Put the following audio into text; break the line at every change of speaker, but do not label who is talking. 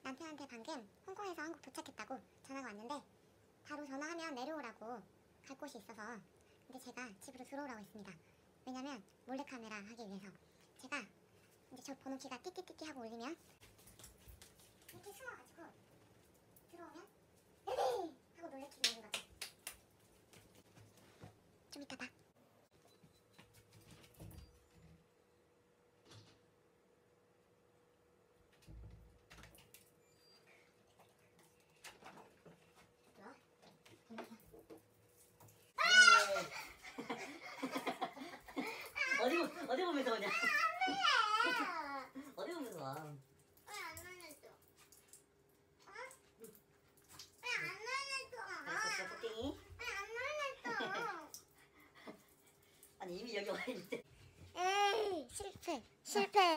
남편한테 방금 홍콩에서 한국 도착했다고 전화가 왔는데 바로 전화하면 내려오라고 갈 곳이 있어서 근데 제가 집으로 들어오라고 했습니다. 왜냐면 몰래카메라 하기 위해서. 제가 이제 저 번호키가 띠띠띠띠 하고 울리면 이렇게 숨어가지고 들어오면 으이! 하고 놀래키고 오는 거죠. 좀 이따 봐.
어디 보면서 오냐?
안돼!
어디 보면서 와?
왜안 놀랬어? 어? 왜안 놀랬어?
알았어, 토끼이.
왜안 놀랬어?
아니 이미 여기 와 있는데.
에이 실패.